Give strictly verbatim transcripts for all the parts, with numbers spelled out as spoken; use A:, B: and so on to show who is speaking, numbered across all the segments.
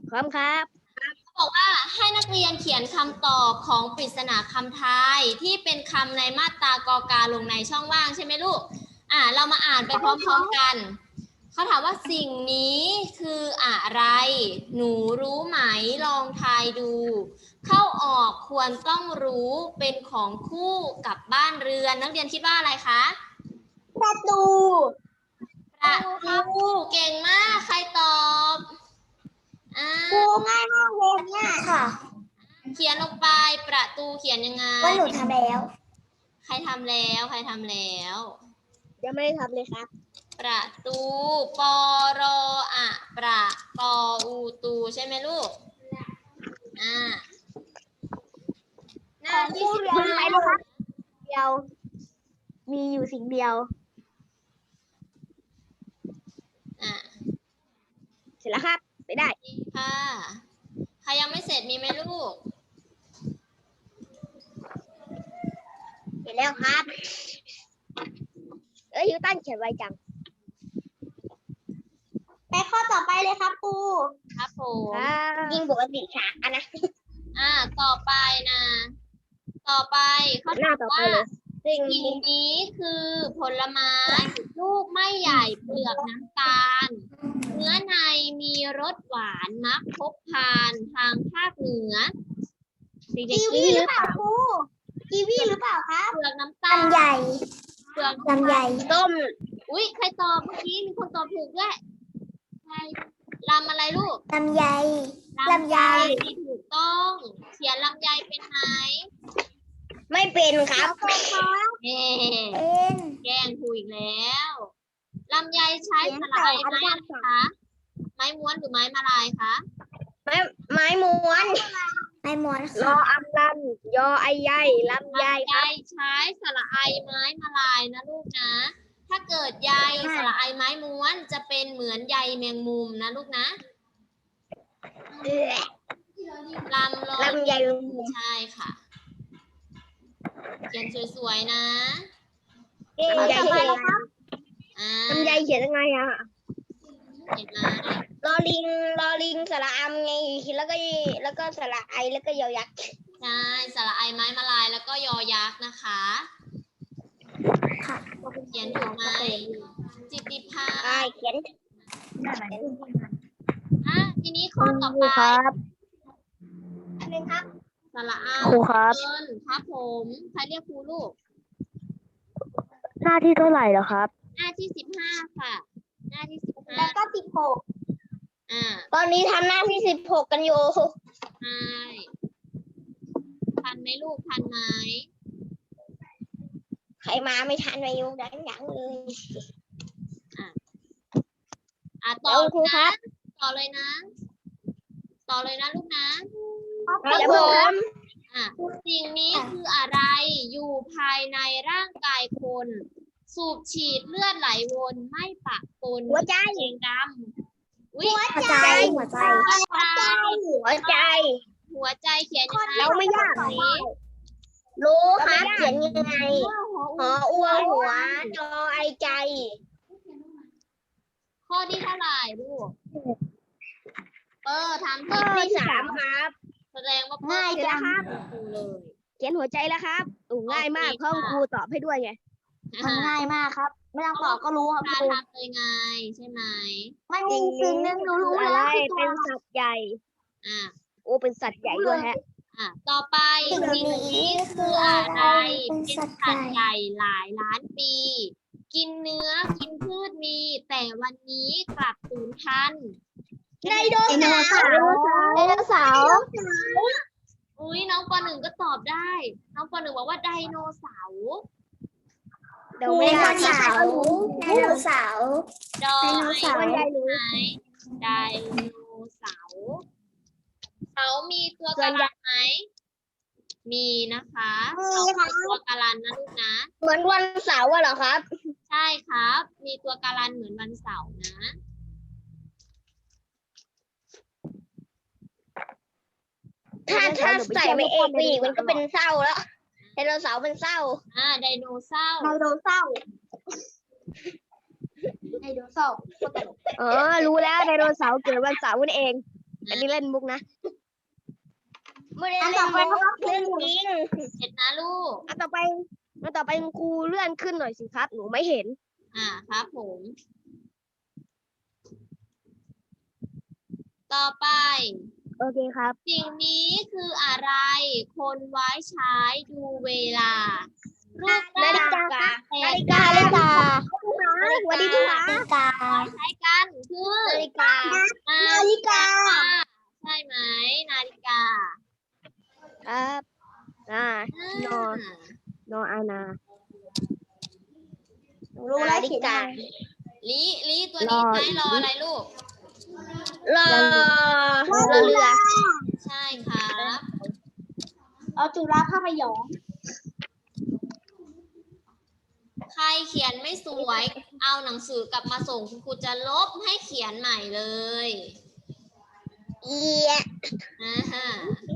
A: พร้อมครับ
B: บอกว่าให้นักเรียนเขียนคำตอบของปริศนาคำทายที่เป็นคำในมาตรากอกาลงในช่องว่างใช่ไหมลูกอ่าเรามาอ่านไปพร้อมๆกันเขาถามว่าสิ่งนี้คืออะไรหนูรู้ไหมลองทายดูเข้าออกควรต้องรู้เป็นของคู่กับบ้านเรือนนักเรียนคิดว่าอะไรคะ
A: ประตู
B: ประตูเก่งมากใครตอบอ่า
A: ครูง่ายมากเลยเนี่ยค่ะ
B: เขียนลงไปประตูเขียนยังไง
A: ว่าหนูทำแล้ว
B: ใครทำแล้วใครทำแล้ว
A: ยังไม่ได้ทำเลยครับ
B: ประตูปอรออะประปออูตูใช่ไหมลูกอ่าหน้าที่สิบห้า
A: นะครับเดียวมีอยู่สิ่งเดียว
B: อ่า
A: เสร็จแล้วครับไปได้
B: ค่ะใครยังไม่เสร็จมีไหมลูก
A: เสร็จแล้วครับเอ้ยยูตันเขียนไวจังไปข้อต่อไปเลยครับครู
B: ครับผม
A: ยิงปกติช้านะ
B: อ่าต่อไปนะต่อไปเขาถามว่าสิ่งนี้คือผลไม้ลูกไม่ใหญ่เปลือกน้ำตาลเนื้อในมีรสหวานมักพบทานทางภาคเหนือ
A: กีวีหรือเปล่าครูกีวีหรือเปล่าครับ
B: เปลือกน้ำตาล
A: ลำใหญ่
B: เปลือก
A: ลำใหญ่
B: ต้มอุ้ยใครตอบเมื่อกี้มีคนตอบถูกด้วยใครลำอะไรลูก
A: ลำไยลำไย
B: ที่ถูกต้องเขียนลำไยเป็นไหม
A: ไม่เป็นครับ
B: เอ๊
A: เป็น
B: แกล้งถูกอีกแล้วลำไยใช้สลายไม้อะไรคะไม้ม้วนหรือไม้มาลายคะ
A: ไม้ไม้ม้วนไม้ม้วนรออัมลำยอไอใยลำไยครับ
B: ใช้สระไอไม้มาลายนะลูกนะถ้าเกิดใยสระไอไม้ม้วนจะเป็นเหมือนใยแมงมุมนะลูกนะลำล
A: ลำไย
B: ใช่ค่ะเขียนสวยๆนะ
A: ลำไยเขียน
B: ลำ
A: ไยเขียนยังไงอ่ะ
B: เห็นไหม
A: ลอลิงลอลิงสระอัมไงแล้วก็แล้วก็สระไอแล้วก็ยอยักษ์
B: ใช่สระไอไม้มาลายแล้วก็ยอยักษ์นะคะเขียนถูกไหมจิตติภา
A: เขียน
B: อ่ะทีนี้ข้อต่อไป
A: อันนึงครับ
B: สระอา
A: ครูครับ
B: ครับผมใครเรียกครูลูก
A: หน้าที่เท่าไหร่แล้วครับ
B: หน้าที่สิบห้าค่ะหน้าที่สิบห้า
A: แล้วก็สิบหก
B: อ่า
A: ตอนนี้ทำหน้าที่สิบหกกันอยู่
B: ใช่ทันไหมลูกทันไหม
A: ใครมาไม่ทันไปยุ่งดังยังเลย
B: อ่ะอ่ะต่อครูครับต่อเลยนะต่อเลยนะลูกนะครับ
A: ผม
B: อ่ะสิ่งนี้คืออะไรอยู่ภายในร่างกายคนสูบฉีดเลือดไหลวนไม่ปะปน
A: หัวใจ
B: เองดำ
A: หัวใจหัวใจหัวใจ
B: หัวใจเขียนยังไง
A: เราไม่ยากรู้ครับเขียนยังไงหออ้วหัวจอไอใจ
B: ข้อที่เท่าไหร่ลูกเออถามข้อที่
A: สามครับ
B: แสดงว่า
A: ง่ายจังครับ
B: เลย
A: เขียนหัวใจแล้วครับอูง่ายมากเพราะครูตอบให้ด้วยไง
B: มัน
A: ง่ายมากครับไม่ต้องตอบก็รู้ครับ
B: ครูทำเลยไงใช่ไหม
A: มันมีสิ่งหนึ่งรู้รู้แล้วเป็นสัตว์ใหญ่
B: อ่า
A: โอ้เป็นสัตว์ใหญ่ด้วยฮะ
B: อ่าต่อไปสิ่งนี้คืออะไรเป็นสัตว์ใหญ่หลายล้านปีกินเนื้อกินพืชมีแต่วันนี้กลับสูญพันธุ์
A: ไดโนเสาร์ไดโนเสาร์
B: อุ้ยน้องปหนึ่งก็ตอบได้น้องปหนึ่งบอกว่าไดโนเสาร์
A: ไดโนเสาร์ไดโนเสาร์
B: ดอไอไหนไดโนเสาร์เสามีตัวกะลันไหมมีนะคะเสามีตัวกะลันนะลูกนะ
A: เหมือนวันเสาร์เหรอครับ
B: ใช่ครับมีตัวกะลันเหมือนวันเสาร์นะ
A: ถ้าถ้าใส่ไม่เอกไปอีกมันก็เป็นเศร้าแล้วไดโนเสาร์เป็นเศร้า
B: อ่าไดโนเสาร์
A: ไดโนเสาร์ไดโนเสาร์เออรู้แล้วไดโนเสาร์เกิดวันเสาร์นั่นเองอันนี้เล่นมุกนะไม่ได้เล่นมุกเล่นจริง
B: เสร็จนะลูก
A: อันต่อไปอันต่อไปครูเลื่อนขึ้นหน่อยสิครับ หนูไม่เห็น
B: อ่าครับผม ต่อไป
A: โอเคครับ
B: สิ่งนี้คืออะไร คนไว้ใช้ดูเวลา รูป
A: นาฬิกา
B: แป
A: นา
B: ด
A: ฬิกานาฬิกาสวัสดีค่ะนาฬิกา
B: ใช้กันคือ
A: นาฬิกา
B: นาฬิกา ใช่ไหมนาฬิกา
A: ครับอ่า
B: อ่า
A: นอน นออานา
C: รู้แล้วเขียนยังไง
B: ลิลิตัวนี้ใช้รออะไรลูก
A: รอรอเรือ
B: ใช่ครับ
C: เอาจุฬาภาพยนตร์
B: ใครเขียนไม่สวย เอาหนังสือกลับมาส่งคุณครูจะลบให้เขียนใหม่เลย
A: เอีย
B: อ่าฮะ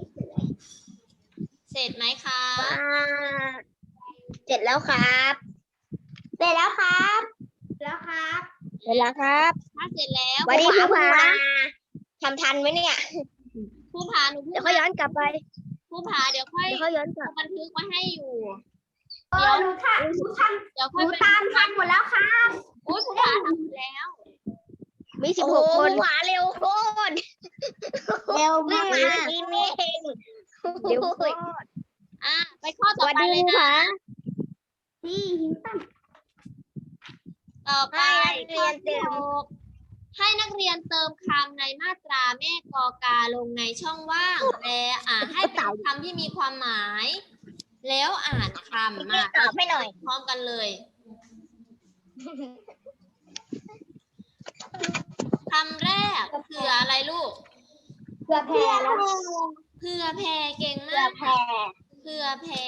B: เสร็จไหมคะ
A: เสร็จแล้วครับ
C: เสร็จแล้วครับ แล้วครับ
A: เสร็จแล้วครับ
B: ถ้าเสร็จแล้ว
A: สวัสดีครูผา
B: ผา
A: ทำทันไหมเนี่ย
B: ครูผาหนูพู
A: เดี๋ย
B: ด
A: วเขาย้อนกลับไป
B: ครูผาเดี๋ยวค่อย
A: เดี๋ยวเขาย้อนกลับ
B: บันทึกไว้ให้อยู่
C: เออหนูทันหนูทัน
B: เดี๋ยว
C: ห
B: ค่อย
C: นู
B: ไป
C: ตามทันหมดแล้วครับ
B: อุ้ยครูผาทำหมดแล้ว
A: มีสิบหกคนหวาเร็วโคตร
C: เร็ว
A: เพิ่
C: มาง ก
A: มาทีนี้เองเร็วโคตร
B: อ่ะไปข้อ
A: ส
B: ต่อ
A: วัส
B: ไป
A: ดี
B: เลย
A: ครู
B: นะ
A: ผา
C: ที่หินตั้ง
B: ต่อไป
A: ให้นักเรียนเติม
B: ข้อที่หกให้นักเรียนเติมคำในมาตราแม่กอกาลงในช่องว่างและอ่านให้เป็นคำที่มีความหมาย แล้วอ่านคำมา
A: ตอบให้หน่อย
B: พร้อมกันเลยคำแรกเผื่ออะไรลูก
C: เพื่อแพรแล้ว
B: เผื่อแผ่เก่ง
C: เพื่อ
B: มาก
C: แพร
B: เผื่อแผ่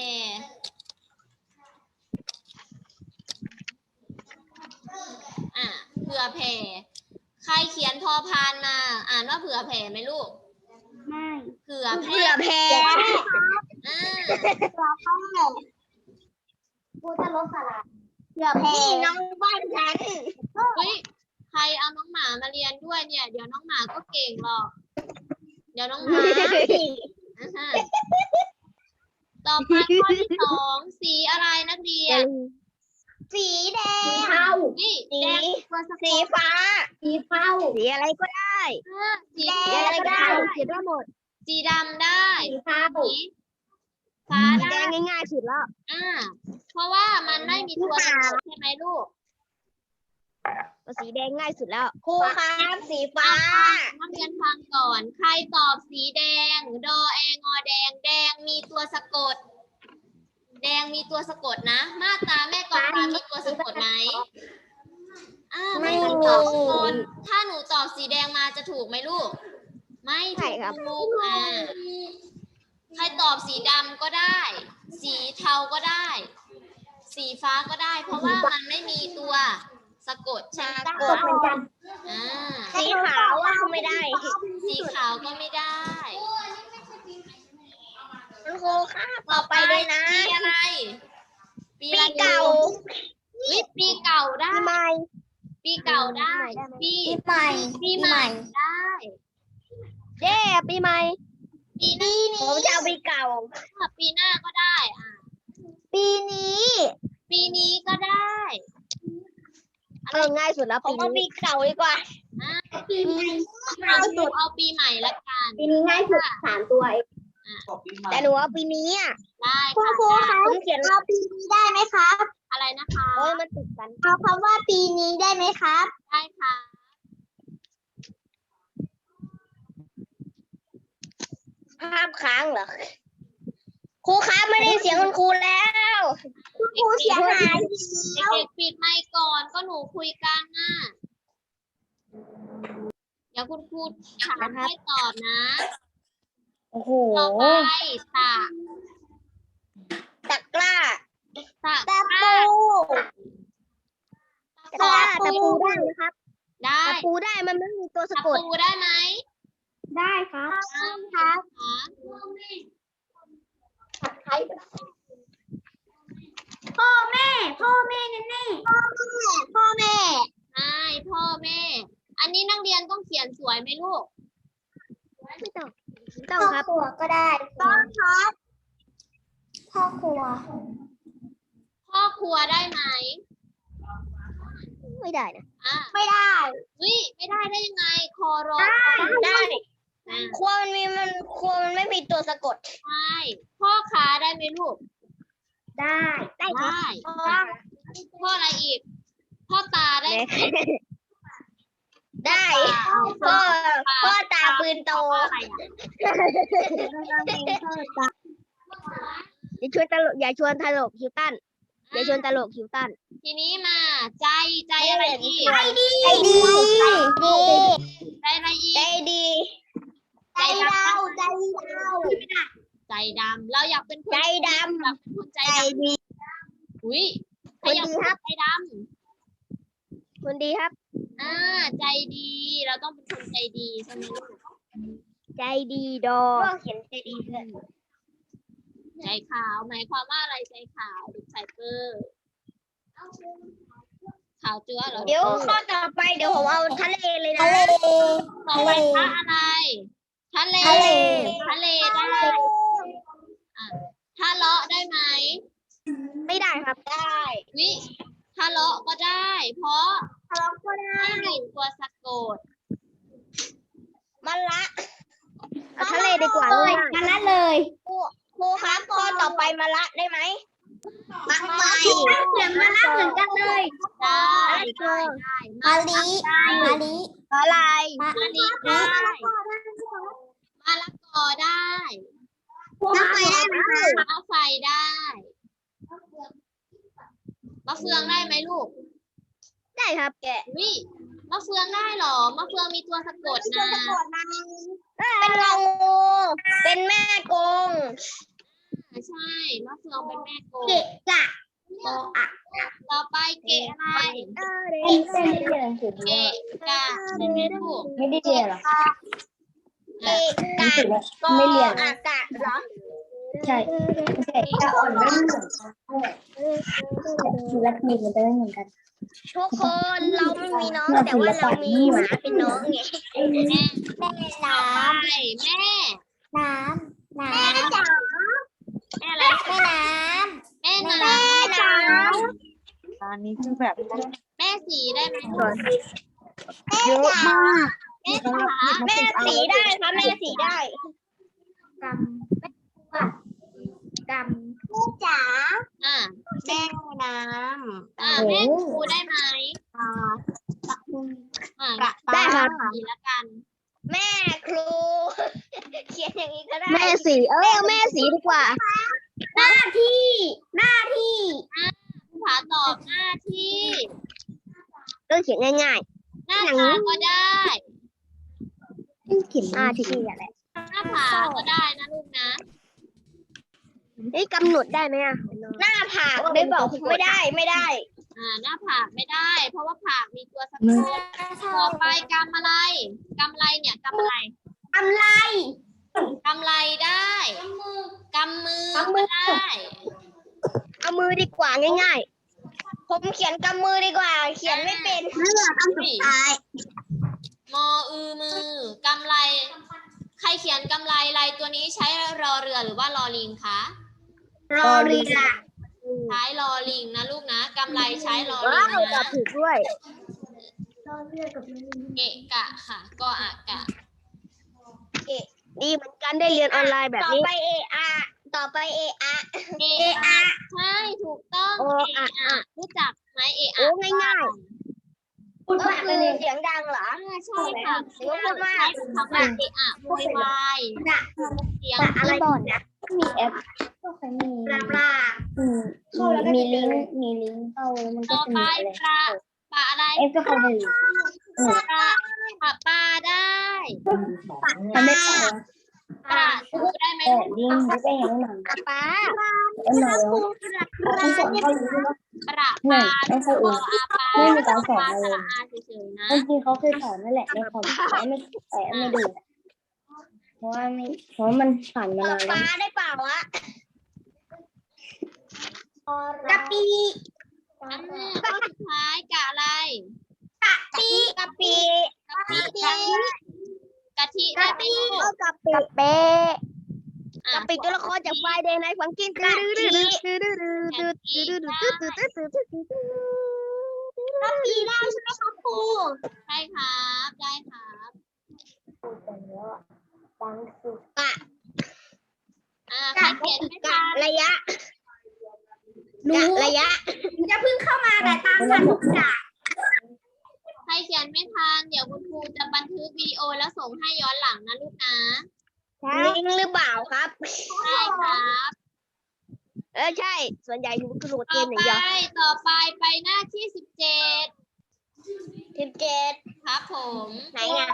B: อ่ะเผื่อแผ่ใครเขียนพอพานมา อ่านว่าเผื่อแผ่ไหมลูก
C: ไม่
B: เผื่อแผ่
A: เพื่อแพ้
B: อ่า
C: เราเข้ากูจะลบสระเพื่อแพร
A: นี่น้องบ้านฉัน
B: เฮ้ยใครเอาน้องหมามาเรียนด้วยเนี่ย เดี๋ยวน้องหมาก็เก่งหรอก เดี๋ยวน้องหมาอ่าฮะต่อไปข้อที่สองสีอะไรนักเรียน
A: สีแด
C: สี
A: ง
C: เทา
B: นี่
A: สี
B: แดงตัวสะก
A: สี
B: ด
A: ฟ้า
C: สีเทา
A: สีอะไรก็ได้
B: อ่าสี
A: สี
B: แด
A: อะไร
B: ง
A: ก็
B: ได้
A: ได้เขียนได้หมด
B: สีดำได้
C: สีเทา
B: สีฟ้า
A: สีแด
B: ได้
A: งง่ายๆสุดแล้ว
B: อ่า เพราะว่ามันไม่มีตัวสะกดใช่ไหมลูก
A: สีแดงง่ายสุดแล้วครูครับสีฟ้า
B: นักเรียนฟังก่อน ใครตอบสีแดง ดอแองอแดง แดงมีตัวสะกด แดงมีตัวสะกดนะ มาตราแม่กองกามีตัวสะกดไหมอ่าไม่มีตัวสะกดถ้าหนูตอบสีแดงมาจะถูกไหมลูก ไม่
A: ใช่ครับ
B: ถูกอ่าใครตอบสีดำก็ได้ สีเทาก็ได้ สีฟ้าก็ได้ เพราะว่ามันไม่มีตัวสะกดใช่ไหม
A: สะก
C: ก
A: ด
C: ดเหมือนกัน
B: อ่า
A: สีขาวว่าไม่ได้
B: สีขาวก็ไม่ได้
A: คุณครูครับต่อไปเลยนะ
B: ปีอะไร ปี
A: ปี
B: อะไร
A: เก่า
B: เฮ้ยปีเก่าได้
A: ปีใหม่
B: ปีเก่าได้ ปี
C: ปีใหม่
B: ปีใหม่ได้
A: เย้ปีใหม่
B: ปีนี้
A: ผมจะเอาปีเก่า
B: ปีหน้าก็ได้อ่ะ
C: ปีนี้
B: ปีนี้ก็ได้
A: เออง่ายสุดแล้ว
C: ผม
A: ปี
C: เอาปี
A: นี้
C: เก่าดีกว่า
B: อ่ะ
C: ปีนี้
B: เอาดูเอาปีใหม่ละกัน
C: ปีนี้ง่ายสุดสามตัวเอง
A: แต่หนูเอาปีนี้อ่ะ
B: ได้
C: คุณครู
B: ค่ะ
C: คะ
A: ผมเขียน
C: เอาปีนี้ได้ไหมครับ
B: อะไรนะคะ
A: โอ้ยมันติดกัน
C: เอาคำว่าปีนี้ได้ไหมครับ
B: ได้ค่ะ
A: ภาพค้างเหรอครูครับไม่ได้เสียงคุณครูแล้ว
C: คุณครูเสียหาย
B: เด็กๆปิดไมค์ก่อนก็หนูคุยกันน่ะ เดี๋ยวคุณครูถามให้ตอบนะ
A: โอ้โห
B: ต่อไปตะ
A: ตะกร้า
B: ตะ
C: ตะปู
A: ตะกร้าตะปูได้ไหมครับ
B: ได้
A: ตะปูได้มันไม่มีตัวสะ
B: ตะ
A: กด
B: ปูได้ไหม
C: ได้ครับ
B: ครับ
C: พ่อแม่ พ่อแม่แน่แน่พ่อแม่ พ่อแม่
B: ใช่พ่อแม่ อันนี้นักเรียนต้องเขียนสวยไหมลูก
A: ต้องต้องครับ
C: ครัวก็ได้ต้องครับพ่อครัว
B: พ่อครัวได้ไหม
A: ไม่ได้นะ
B: อ่า
C: ไม่ได้
B: วิไม่ได้ได้ยังไง คอรอ
A: ได้
B: อ่า
A: ครัวมันมีมันครัวมันไม่มีตัวสะกด
B: ใช่ พ่อค้าได้ไหมลูก
C: ได้
A: ได้ครับ
B: ได้
A: พ่อ
B: พ่ออะไรอีก พ่อตาได้ไหม
A: ได้พ่อพ่อตาปืนโต
B: อะไรอ่ะ
A: อย่าชวนตลกอย่าชวนตลกฮิวตันอย่าชวนตลกฮิวตัน
B: ทีนี้มาใจใจอะไรอีก
A: ใจดีใจดี
B: ใจอะไรอีก
A: ใจดี
B: ใจด
C: เราใจเรา
B: ำใจดำเราอยากเป็นคน
A: ใจด
B: อยากเป็นคนใจ
A: ำใจ
B: ดำ
A: ดี
B: อุ้ยใครอยาก
A: คนดี
B: เป็น
A: ครับ
B: ใจด
A: คนดีครับ
B: ำอ่าใจดี เราต้องเป็นคนใจดีใช่ไหมลูก
A: ใจดีดอ
C: พ่อเขียนใจดีเลย
B: ใจขาวหมายความว่าอะไรใจขาวหรือไซเปอร์ขาวจั๊วเหรอ
A: เดี๋ยวข้อต่อไปเดี๋ยวผมเอาทะเลเลยนะ
C: ทะเล
B: ต่อไปพระอะไรทะเล
C: ทะเล
B: ทะเลได้อ่ะทะเลาะได้ไหม
A: ไม่ได้ครับได้
B: วิทะเลาะก็ได้ เพราะ
C: ทะเลาะก็ได้
B: ไม่มีตัวสะกด
A: มันละเอาทะเลดีกว่า
C: เล
A: เลย ย
C: มาละเลย
A: ครูครับข้อต่อไปมาละได้ไหม
C: มาละเขียนมาละเหมือนกันเลย
B: ได้ได้ได้
C: มาลิ
B: ได้
C: มาลิ
A: อะไร
B: มะลิได้มะละกอได้
C: น้ำไฟได้ไหมคะ
B: มะไฟได้มะเฟืองได้ไหมลูก
A: ได้ครับแกะ
B: วิมะเฟืองได้เหรอมะเฟืองมีตัวสะกดนะ
A: เป็นงองูเป็นแม่กง
B: ใช่มะเฟืองเป็นแม่โก
C: เกะกะ
B: โกอะต่อไปเกะอะไร
C: ไม่ได้เรียนหนังสือ
B: เกะกะใช่ไหมลูก
C: ไม่ได้เรียนหรอ
A: เกะกะกอ
C: ไม่เรียน
A: อากาศเหรอ
C: ใช่ไม่ใช่แต่อ่อนไม่เหมือนกันศิลปินมันจะไม่เหมือนกัน
A: ทุกคนเราไม่มีน้องแต่ว่าเรามีหมาเป็นน้องไง
B: แม่
C: แม่
B: ต่
C: น้
B: อไปแม่
C: ำน้ำน้ำจ๋า
B: แม่อะไร
C: แม่น้
B: แม่
C: ำ
B: น้
C: แม่จ๋า
D: อันนี้คือแบบ
B: ำแม่สีได้ไหม
D: เยอะมาก
B: แม่ขา
A: แม่สีได้ครับแม่สีได้
C: กำกำแม่จ๋า
B: อ่า
A: แม่น้
B: อ่าแม่ครูได้ไหมอ่า
A: ำได้ครับ
B: สีละกัน
A: แม่ครู เขียนอย่างนี้ก็ได้
C: แม่สีเออแม่สีดีกว่า หน้าที่หน้าที่
B: ภาษาตอบหน้าที่
A: ต้องเขียนง่าย
B: หน้าตาก็ได้
C: เขียน
A: ๆอ่าที่นี่แหละ
B: หน้าผาก็ได้นะลูกนะ
A: เฮ้ยกำหนดได้ไหมอ่ะหน้าผากไม่บอกไม่ได้ไม่ได้
B: อ่า หน้าผากไม่ได้ เพราะว่าผากมีตัวสะกดต่อไปกำอะไรกำไรเนี่ยกำอะไร
C: กำไร
B: กำไรได้กำมือก็ได้
A: เอามือดีกว่าง่ายๆ ผมเขียนกำมือดีกว่า เขียนไม่เป็น
C: ไม่เหลือคำสุดท้าย
B: มออือมือกำไร ใครเขียนกำไรลายตัวนี้ใช้รอเรือหรือว่ารอลิงคะ
C: รอเรือ
B: ใช้รอลิงนะลูกนะกำไรใช้รอลิ
A: ว้าง วตอ
B: นะ
A: บถูกด้วย
C: รอเรือกับ
B: เกะกะค่ะก็อากะ
A: ดีเหมือนกันได้เรียนออนไลน์แบบต่อนี้
B: E
A: ไปเออาต่อไปเออา
B: เออะใช่ถูกต้อง
A: โอ
B: เอ
A: อะ
B: อะรู้จักไหมเอ
A: โอ้
B: อะ
A: ง่าย
C: พูด
A: ก็
C: มาก
A: คื
C: เล
A: อย เสียงดังเหรอ
B: อ่าใช่ค่ะ
A: เสียงพูดมาก
B: ใช้คำว่าเออะโวยวายเสียง
C: อะไรบ่อนนะมีแอปก็เคยมีปลาปลาอืมมีลิงก์มีลิงก์เข้าแล้วมันก็
B: ต่อ
C: จะ
B: ไป
C: มีอะไร
B: ปลาปลาอะไร
C: เอฟก็เข้าไปอืม
B: ปลาปลาปลาได้
C: มันไม่เข้า
B: ปลาดูได้ไหม
C: แต่
B: ลูก
C: ลิงก์ไม่ได้ยังหนัง
A: ป๊าป๊า
C: เอ็มหนังที่สอนเข้าอยู่ที่ว่า
B: ปลาป
C: ไม่
B: ลา
C: ไม่เข้า
B: ป
C: อื่น
B: อาปลา
C: ไม่มีการสอน
B: ปลา
C: อะไร
B: ส
C: เล
B: ระ
C: ย
B: อาเฉยๆนะ
C: จริงๆเขาเคยสอนนั่นแหละในคอมแต่ไม่แต่ไม่ดูเพราะว่าไม่เพราะมันผ่านมา
A: ป๊าน
C: านแล้
A: ป๊าว ได้เปล่าวะ
C: กะปิ
B: อันนี้ข้อสุดท้ายกะอะไร
A: ปีกะปิ
B: กะปิกะกะทิได้ไหมลูก
A: กะปิเป๊ะ
B: อ่ะ
A: กะปิตัวละครจากไฟเดย์ไนท์ฟังกินกะทิกะปิได้ใช่ไหมครับครู
B: ใช่ครับได้ครับ
A: กะ
B: อ่าใครเขียนไม่
A: กะ
B: ทัน
A: ระยะกะระยะ
C: จะเพิ่งเข้ามาแต่ตามทันทุกอย่าง
B: ใครเขียนไม่ทันเดี๋ยวคุณครูจะบันทึกวิดีโอแล้วส่งให้ย้อนหลังนะลูกนะ
A: ลิงหรือเปล่าครับ
B: ใช่ครับ
A: เออใช่ ส่วนใหญ่อยู่กระโดดเก
B: ต่อ
A: มอ
B: ไป
A: ย่างเดียว
B: ต่อไปไปหน้าที่สิบเจ็ด
A: สิบเจ็ด
B: ครับผม
A: ไหนไง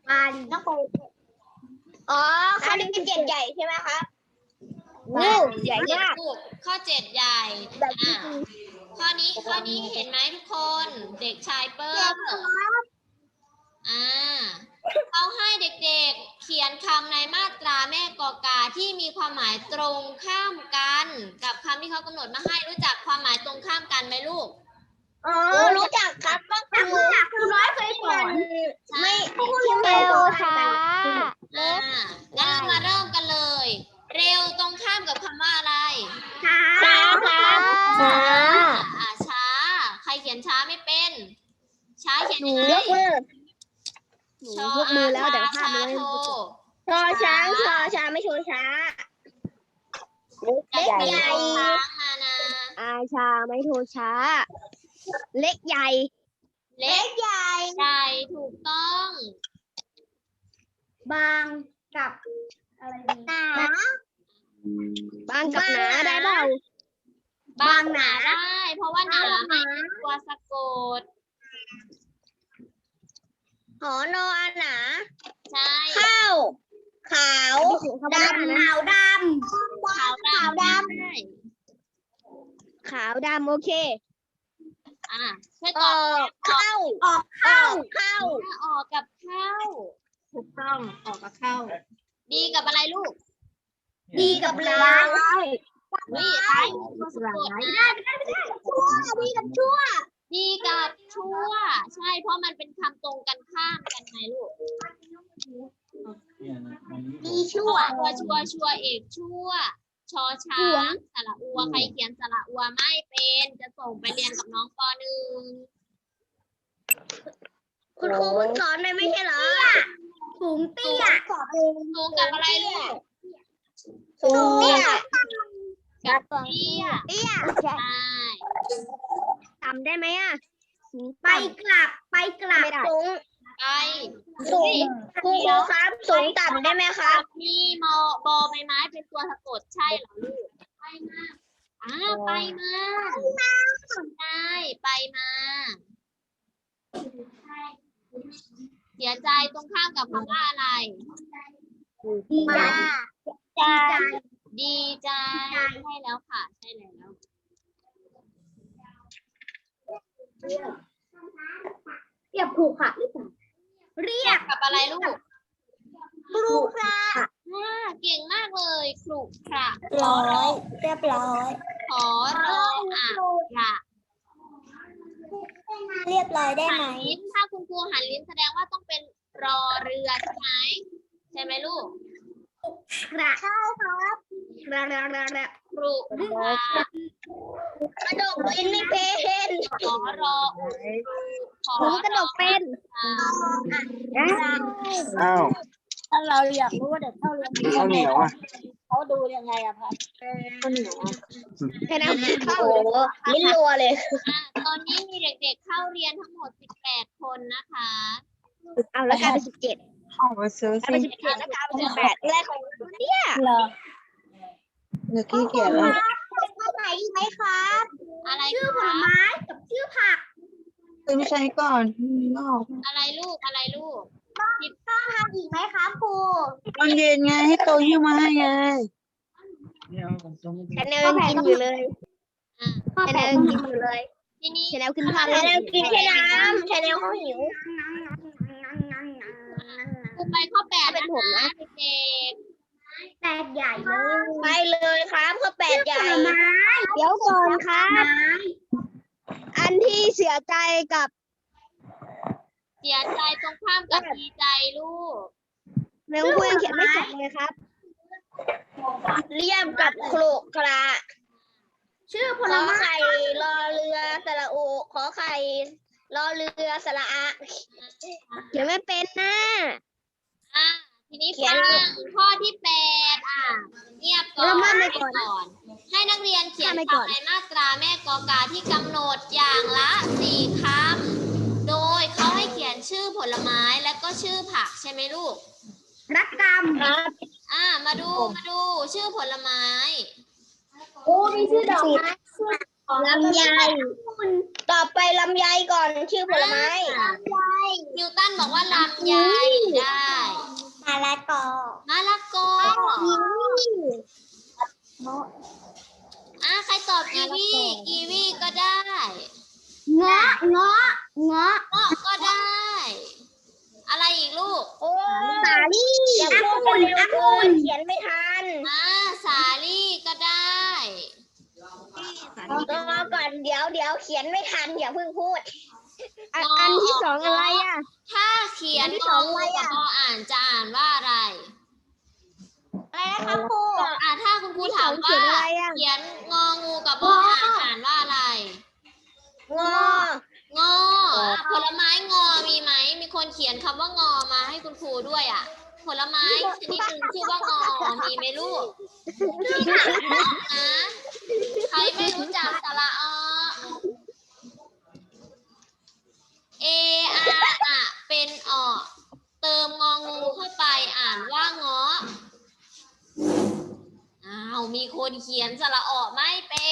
A: อ๋อข้อที่สิบเจ็ดใหญ่ใช่ไหมครับวู้ใหญ่มาก
B: ลูกข้อเจ็ดใหญ่อ่าข้อนี้ข้อนี้เห็นไหมทุกคนเด็กชายเปิ้ลอ่าเขาให้เด็กๆเขียนคำในมาตราแม่กอกาที่มีความหมายตรงข้ามกัน กับคำที่เขากำหนดมาให้รู้จักความหมายตรงข้ามกันไหมลูก
A: อ๋อรู้จักครับก็คือ
C: ครูน้อยเคยสอน
A: ไม่
C: เร็วช้า
B: อ่างั้นเรามาเริ่มกันเลย เร็วตรงข้ามกับคำว่าอะไร
C: ช้า
A: ช้าครับ
B: ช้าอ่าช้า ใครเขียนช้าไม่เป็น ช้าเขียน
A: หนู
B: ยังไง
A: ยกมือหนู
B: ชอย
A: กมือแล้วแต่ภาพ
B: ช้า
A: มันไม่
B: โท
A: ชอช้างชอช้างไม่ชอช้าเล็กใหญ่
B: ช้างมานะ
A: อาชาไม่โทช้า เล็กใหญ่
B: เล็ก
A: ใหญ่
B: ใหญ่ถูกต้อง
C: บางกับอะไรดี
A: หนาบางกับหนาได้เปล่า
B: บางหนาได้ เพราะว่าหนาไม่เป็นตัวสะกด
A: หอนอหนา
B: ใช่
A: ข้าวขาวดำ
C: ขาวด
B: ขาวดำ
A: ขาวด
B: ใช่
A: ขาวดำโอเค
B: อ่ะช่วย
A: อ
B: ตอ
A: อบ กเข้า
C: ำออก
A: ออกเข้า
B: ถ้าออกกับเข้า
C: ถูกต้องออกกับเข้า
B: ดีกับอะไรลูก
C: ดีกับร้าย
B: นี่ร้ายตัวสะกดนะ
A: ชั่วดีกับชั่ว
B: ดีกับชั่ว ใช่ เพราะมันเป็นคำตรงกันข้ามกันไงลูก
A: ดีชั่ว
B: ตัวชัวชัวเอกชั่ว ชอช้างสระอัวใครเขียนสระอัวไม่เป็นจะส่งไปเรียนกับน้องปหนึ่ง
A: คุณครูเพิ่งสอนไปไม่ใช่เหรอ
C: สูงเตี้ย
B: สูงกับอะไรลูก
A: สูงเตี้ย
B: กับเตี้ย
A: เตี้ย
B: ใช่
A: ต่ำได้ไหมอ่ะสูง
C: ไปกลับไปกลับ
A: สูง
B: ไป
A: สูงคุณครูครับสูงต่ำได้ไหมครับ
B: มีมอบอใบไม้เป็นตัวสะกดใช่เหรอลูกไปมาอ่าไปมาใช่ไปมาเสียใจตรงข้ามกับคำว่าอะไร
C: ดีใจ
A: ใจ
B: ดีใจใช่แล้วค่ะ ใช่แล้ว
C: เรียบผูกค่ะหรือเปล่าเรียบ
B: กับอะไรลูก
A: ครูครับ
B: อ่าเก่งมากเลยครุขระ
A: ร้อยเรียบร้อย
B: ขอรออ่ะขระ
A: เรียบร้อยได้
B: หั
A: ไหม
B: นลิ้นถ้าคุณครูหันลิ้นแสดงว่าต้องเป็นรอเรือใช่ไหมใช่ไหมลูก
C: กระ
A: เข้าครับ
C: กระกระกระกระ
B: ครุขระ
A: กระดกลิ้นไม่เป็น
B: ขอรอขอ
A: ผมกระดกเป็น
D: อ้าว
A: ถ้าเราอยากรู้ว่าเด็กเข้าเรียน
D: ข้าวเหนียวอ่ะ
A: เขาดูยังไงอะพัด
D: ข้าวเหนียวอ่ะ
A: แค่นั้นเข้าโอ้ลิ้นรัวเลย
B: อ่ะตอนนี้มีเด็กๆเข้าเรียนทั้งหมดสิบแปดคนนะคะ
A: เอาแล้วกลายเป็นสิบเจ็ด
D: ออกมาซื้อก
A: ลาย
D: สิ
A: เป็นสิบเจ็ดแล้วกลายเป็นสิบแปดแรกของเนี่ย
D: เหรอเมื่อกี้เขียนแล้ว
A: เข้าไหนอีกไหมครับ
B: อะไร
C: ชื่อผ
B: คะ
C: ลไม้กับชื่อผัก
D: ซื้อไม่ใช่ก่อนนอก
B: อะไรลูกอะไรลูก
A: ทำอีกไหมครับครู
D: ตอนเย็นไงให้โตยิ้วมาให้ไง
A: ชาแนลกินอยู่เลย
B: อ่ะ
A: ชาแนลกินอยู่เลย
B: ทีนี้
A: ชาแนลขึ้นภาพชาแนลกินแค่น้ำชาแนลเขาหิว
B: ครูไปข้อแปด
A: เป็
B: นะ
A: นผมนะ
B: คะเด็ก
C: แตกใหญ่เลย
A: ไปเลยครับข้อแปดใหญ่
C: ผลไม้
A: เดี๋ยวก่อนครั
C: ไม้
A: บ อันที่เสียใจกับ
B: ๆเสียใจตรงข้ามกับดีใจลูก
C: แมงคุยยังเขียนไม่เสร็จเลยครับ
A: เรียบกับโครกกระ
C: ชื่อผ
A: ข
C: ล
A: อ
C: ไม้
A: ไข่รอเรือสระอุขอไข่รอเรือสระอะ
C: เขียนไม่เป็นนะ
B: อ่ะทีนี้
A: เขีย
B: ฟั
A: น
B: งข้อที่แปดอ่ะเงียบก่อน
C: แล้วมาไม่
B: เงี
C: ก่
B: ย
C: อบ น
B: ก่อน ให้นักเรียนเขียน
C: มาไม่ก่อน
B: คำในมาตราแม่กอกาที่กำหนดอย่างละสี่คำโดยเขาให้เขียนชื่อผลไม้และก็ชื่อผักใช่ไหมลูก
C: รักกรรม
A: ครับ
B: อ่ามาดูมาดูชื่อผลไม้
C: โอ้มีชื่อดอกไม้
A: ลำไยต่อไปลำไยก่อนชื่อผลไม้
B: อ่านิวตันบอกว่าลำไยได้
C: มะละกอ
B: มะละกออ่ะใครตอบกีวีกีวีก็ได้
C: เงาะเงาะเงาะ
B: เงาะก็ได้ อะไรอีกลูก
A: โอ้
C: สาลี่
A: อย่าพูดเร็วเกินเขียนไม่ทัน
B: อ่าสาลี่ก็ได้
A: รอก่อนเดี๋ยวเดี๋ยวเขียนไม่ทันอย่าเพิ่งพูด
C: อันอันที่สองอะไรอ่ะ
B: ถ้าเขียน
C: อันที่
B: ง
C: ส
B: อ
C: อง
B: งู
C: อะไร
B: กับ
C: อ่ะ
B: พออ่านจะอ่านว่าอะไร
A: อะไรนะคะครู
B: อ่าถ้าคุณครูถาม
C: เขี
B: ว่าย
C: นอะไรอ่ะ
B: เขียนงองูกับพออ่านอ่านว่าอะไร
A: งอ
B: งออ่ะผลไม้งอมีไหม มีคนเขียนคำว่างอมาให้คุณครูด้วยอ่ะ ผลไม้ชนิดหนึ่งชื่อว่างอ มีไหมลูกนะใครไม่รู้จักสระอเออาอะเป็นออเติมงองูเข้าไปอ่านว่าเงาะอ้าวมีคนเขียนสระออไม่เป็น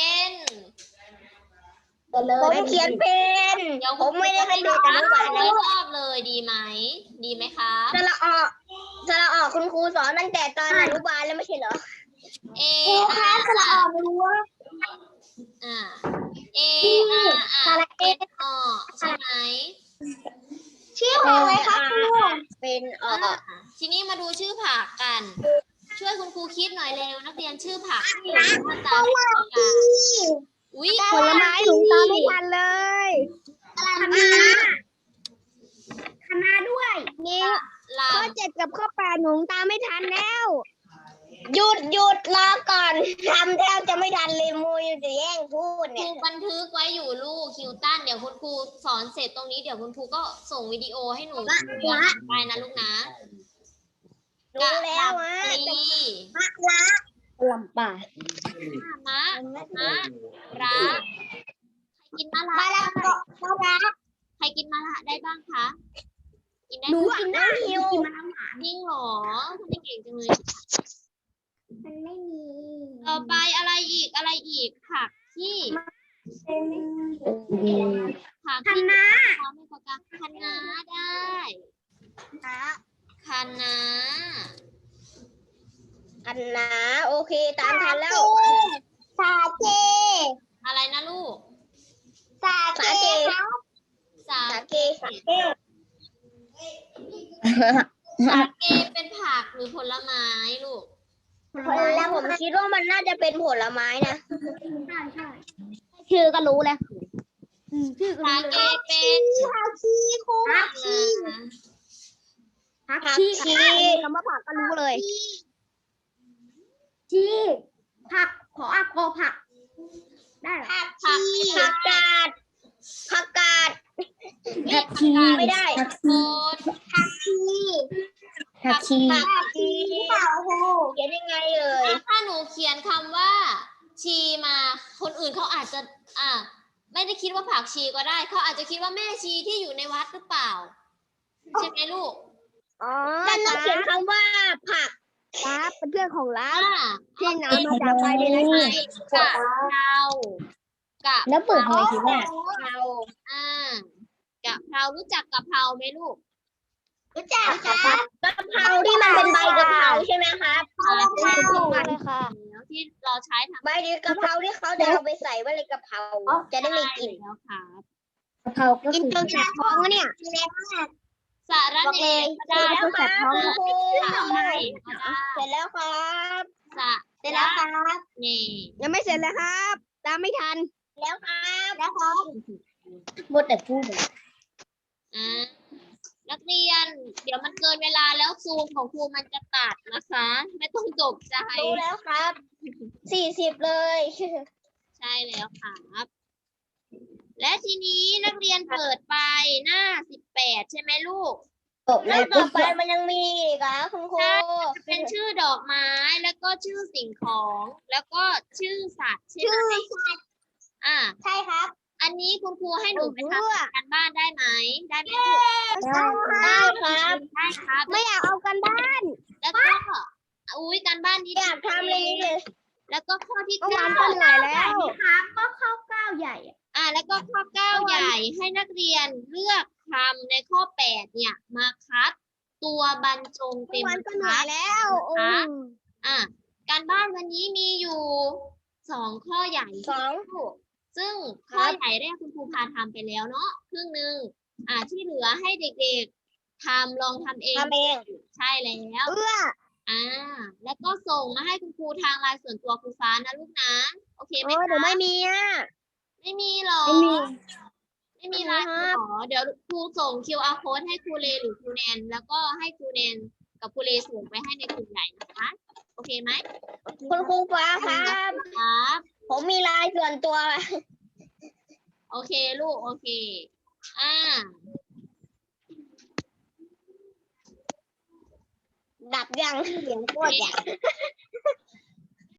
A: ผมเขียนเป็น
B: เดี๋ยว
A: ผมไม่ได้เป็นเด็กอนุบาล
B: ไม่
A: นะ
B: รอบเลยดีไหม ดีไหมคะ
A: สระออกสระออกคุณครูสอนตั้งแต่ตอนอนุบาลแล้วไม่ใช่เหรอ
B: เออาอะอ่าเออาอะเป็นออใช่ไหม
A: ชื่ออะไรครับครูเป็นออก
B: ทีนี้มาดูชื่อผักกัน ช่วยคุณครูคิดหน่อยเร็วนักเรียนชื่อผักที่อยู่ในมาตราแม่กอกาอุ้ย
C: ผลไม้หนูตามไม่ทันเลยคณะคณะด้วยนี่
B: ลา
C: ข้อเจ็ดกับข้อแปดหนูตามไม่ทันแล้ว
A: หยุดหยุดรอก่อนทำแทบจะไม่ทันเลยมูยจะแย่งพูด
B: ค
A: เนี่
B: รู
A: ย
B: บันทึกไว้อยู่ลูกคิวตันเดี๋ยวคุณครูสอนเสร็จตรงนี้เดี๋ยวคุณครูก็ส่งวิดีโอให้หนูดูย้อนหลังได้นะลูกนะ
A: รู้แล้วอ่ะ
B: กะหล่ำปลี
C: ลำบาก
B: มะมะระใครกินมะระ
A: มาแล้วก็มาแล้ว
B: ใครกินมะระได้บ้างคะกินได้
C: หนู
B: ไหม
C: กินได้หิว
B: จริงเหรอคุณเก่งจังเลย
C: มันไม่มี
B: ต่อไปอะไรอีกอะไรอีกผักที่ผัก
C: ค
B: ที่
C: ณะ
B: ทำให้ประกาศคะน้าได้คะน้า
A: อันนะโอเคตามทันแล้ว
C: สาเจ
B: อะไรนะลูก
C: สาเจ
B: สา
A: สาเกสาเก
B: สาเกเป็นผักหรือผลไม้ลูก
A: แล้วผมคิดว่ามันน่าจะเป็นผลไม้นะ
C: ใช่ใช่ชื่อก็รู้แล้วชื่อก็
B: สา
C: รู้
B: เก
C: เลย
B: เป็น
C: ผักชีครูผักชีผักชีคำว่าผักก็รู้เลยชีผักขออักโกผัก ได้เหรอ
A: ผักชีผักกาดผักกาด
B: ผักชี
A: ไม่ได้
B: โคน
A: ผักชี
B: ผักชี
A: ผักชีเปล่าครูเขียนยังไงเอ่ย
B: ถ้าหนูเขียนคำว่า ชีมาคนอื่นเขาอาจจะ อ่า ไม่ได้คิดว่าผักชีก็ได้เขาอาจจะคิดว่าแม่ชีที่อยู่ในวัดหรือเปล่าใช่ไหมลูก
C: อ๋อ
A: นั่นต้องเขียนคำว่าผัก
C: ครับเป็นเพื่อนของร้าน
B: อ่า
C: ที่นำมาจากไปในรายการ
B: กะเพรากะ
C: แล้วเปิดทำไมคิดว่า
A: เรา
B: อ่ากะเพรารู้จักกะเพราไหมลูก
A: รู้จักครับกะเพราที่มันเป็นใบกะเพราใช่ไหมครับ
B: อ่าใช่
C: เลยค่ะ
B: แล้วที่เราใช้ทำ
A: ใบกะเพราที่เขาจะเอาไปใส่ไว้ในกะเพราจะได้ไม่กลิ่น
B: แล้วครับ
C: กะเพราก็กินจนแสบท้องเนี่ย
B: สาระเนก็ได้
A: แล้วครับคุณครู
B: สาระเนก็ได้
A: เสร็จแล้วครับ
B: สา
A: เสร็จแล้วครับ
B: เน
C: ยังไม่เสร็จเลยครับ ตามไม่ทัน
A: แล้วครับแล้วครับ
C: หมดแต่พูด
B: อ่านักเรียน เดี๋ยวมันเกินเวลาแล้วซูมของครูมันจะตัดนะคะ ไม่ต้องตกใจ
A: รู้แล้วครับ สี่สิบเลย
B: ใช่แล้วครับ และทีนี้นักเรียนเปิดไปหน้าสิบแปดใช่ไหมลูก
C: จบ
A: แล้
C: แล้ว ว
A: ต่อไปมันยังมีอีกเหรอคุณครู
B: เป็นชื่อดอกไม้แล้วก็ชื่อสิ่งของ แล้วก็ชื่อสัตว์ใช่ไหม
A: ชื่อสัตว์
B: อ่า
A: ใช่ครับ
B: อันนี้คุณครูให้หนูไป
A: เออ
B: ทำการบ้านได้ไหม ได้ไหมลูก
A: ได้ครับ
B: ได้ครับ
A: ไม่อยากเอากันบ้าน
B: แล้วก็อุ้ยการบ้านนี้
A: อยากทำเลยนี่เลย
B: แล้วก็ข้อที่
A: เมื่อวา
B: เก้าน
A: ก็เหนื่อยแล้วครับก็เข้าเก้าใหญ่
B: อ่า แล้วก็ข้อเก้าใหญ่ให้นักเรียนเลือกคำในข้อแปดเนี่ยมาคัดตัวบรรจง
A: เมื่
B: เต็
A: อ
B: ม
A: วาน
B: บร
A: ก็
B: ร
A: เหนื่
B: ทั
A: อย
B: ด
A: แล้ว
B: นะคะ
A: อืม
B: อ่า การบ้านวันนี้มีอยู่สองข้อใหญ่
A: สอง
B: ซึ่งข้อใหญ่แรกคุณครูพาทำไปแล้วเนาะครึ่งหนึ่งอ่าที่เหลือให้เด็กๆทำลองทำเอง
A: ทำเอง
B: ใช่แล้ว
A: เอื้อ
B: อ่า แล้วก็ส่งมาให้คุณครูทางไลน์ส่วนตัวครูฟ้านะลูกนะ โอเคไหม
A: โอ้ย
B: คะ
A: เดี๋ยวไม่มีอ่ะ
B: ไม่มีหรอ
A: ไม่มี
B: ไม่มีไลน์
A: ไม่มีครับ
B: หรอเดี๋ยวครูส่ง คิว อาร์ code ให้ครูเลหรือครูแนน แล้วก็ให้ครูแนนกับครูเลส่งไปให้ในกลุ่มใหญ่นะคะ โอเคไหม
A: คุณครูฟ้าครับ
B: ครับ
A: ผมมีไลน์ส่วนตัว
B: โอเคลูก โอเค อ่า
A: ดับยังเสียงโคตรใหญ่